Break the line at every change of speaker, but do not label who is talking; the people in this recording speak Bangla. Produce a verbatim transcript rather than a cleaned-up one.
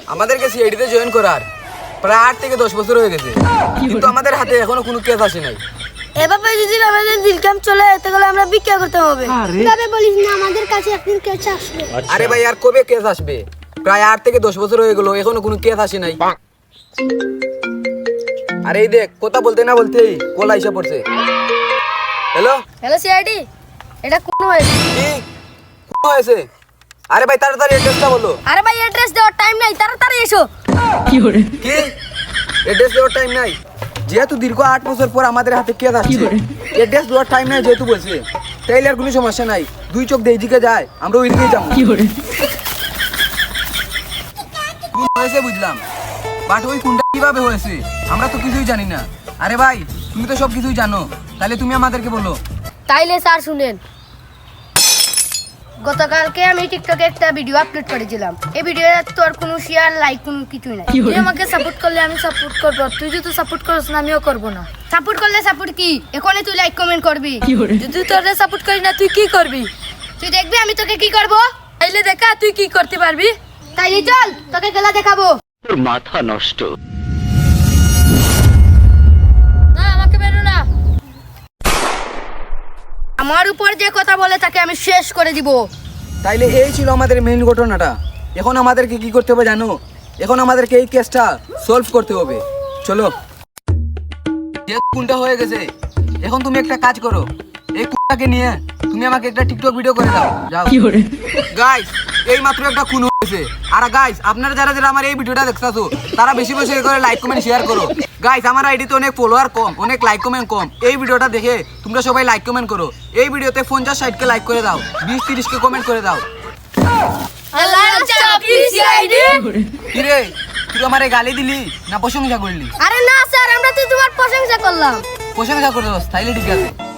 আমাদেরকে সিআইডিতে জয়েন করার প্রায় আট থেকে দশ বছর হয়ে গেছে, কিন্তু আমাদের হাতে এখনো কোনো কেস আসে নাই।
এভাবে যদি আমাদের দিলকাম চলে যেতে গেলে আমরা ভিক্ষা করতে হবে।
তবে বলিস না, আমাদের কাছে একদিন কেস আসবে।
আরে ভাই আর কবে কেস আসবে? প্রায় আট থেকে দশ বছর হয়ে গেল, এখনো কোনো কেস আসে নাই। আরে এই দেখ, কথা বলতে না বলতেই কল আইসা পড়ছে। হ্যালো
হ্যালো সিআইডি, এটা কোন হয়েছে?
কি কোন হয়েছে? আরে ভাই তাড়াতাড়ি অ্যাড্রেসটা বলো।
আরে ভাই অ্যাড্রেস দেওয়ার টাইম নাই, তাড়াতাড়ি এসো।
কি অ্যাড্রেস দেওয়ার টাইম নাই? যেহেতু দীর্ঘ আট বছর পর আমাদের হাতে কেস আসছে, অ্যাড্রেস দেওয়ার টাইম নাই যেহেতু বলছে, তাইলে আর কোনো সমস্যা নাই। দুই চোখ দিয়ে দিকে যায়, আমরা ওই দিকেই যাবো। কোন হয়েছে বুঝলাম, বাট ওই কোনটা কিভাবে হয়েছে আমরা তো কিছুই জানি না। আরে ভাই তুমি তো সব কিছুই জানো, তাহলে তুমি আমাদেরকে বলো।
তাইলে স্যার শুনেন, গতকালকে আমি টিকটকে একটা ভিডিও আপলোড করেছিলাম। এই ভিডিওর তোর কোনো শেয়ার লাইক কোনো কিছুই নাই। তুই আমাকে সাপোর্ট করলে আমি সাপোর্ট করব, তুই যদি সাপোর্ট করিস না আমিও করব না। সাপোর্ট করলে সাপোর্ট কি, এখনই তুই লাইক কমেন্ট করবি। যদি তোরে সাপোর্ট করি না তুই কি করবি? তুই দেখবি আমি তোকে কি করব। তাইলে দেখা তুই কি করতে পারবি। তাইলে চল তোকে খেলা দেখাবো।
তোর মাথা নষ্ট।
না আমাকে বেরো না, আমার উপর যে কথা বলে তাকে আমি শেষ করে দিব।
তাইলে এই ছিল আমাদের মেইন ঘটনাটা। এখন আমাদেরকে কি করতে হবে জানো? এখন আমাদেরকে এই কেসটা সলভ করতে হবে। চলো, যেহেতু কোনটা হয়ে গেছে, এখন তুমি একটা কাজ করো, এই কোনটাকে নিয়ে তুমি আমাকে একটা টিকটক ভিডিও করে দাও। যাও গাইস, এই মাত্র একটা খুন হয়েছে। আর গাইস আপনারা যারা যারা আমার এই ভিডিওটা দেখতাছো, তারা বেশি বেশি করে লাইক কমেন্ট শেয়ার করো। গাইস আমার আইডিতে অনেক ফলোয়ার কম, অনেক লাইক কমেন্ট কম। এই ভিডিওটা দেখে তোমরা সবাই লাইক কমেন্ট করো। এই ভিডিওতে পঞ্চাশ ষাট কে লাইক করে দাও, বিশ তিরিশ কে কমেন্ট করে দাও। কিরে তুই আমারে গালি দিলি না প্রশংসা করলি?
আরে না স্যার, আমরা তো তোমার প্রশংসা করলাম।
প্রশংসা করে দাও, তাইলে ঠিক আছে।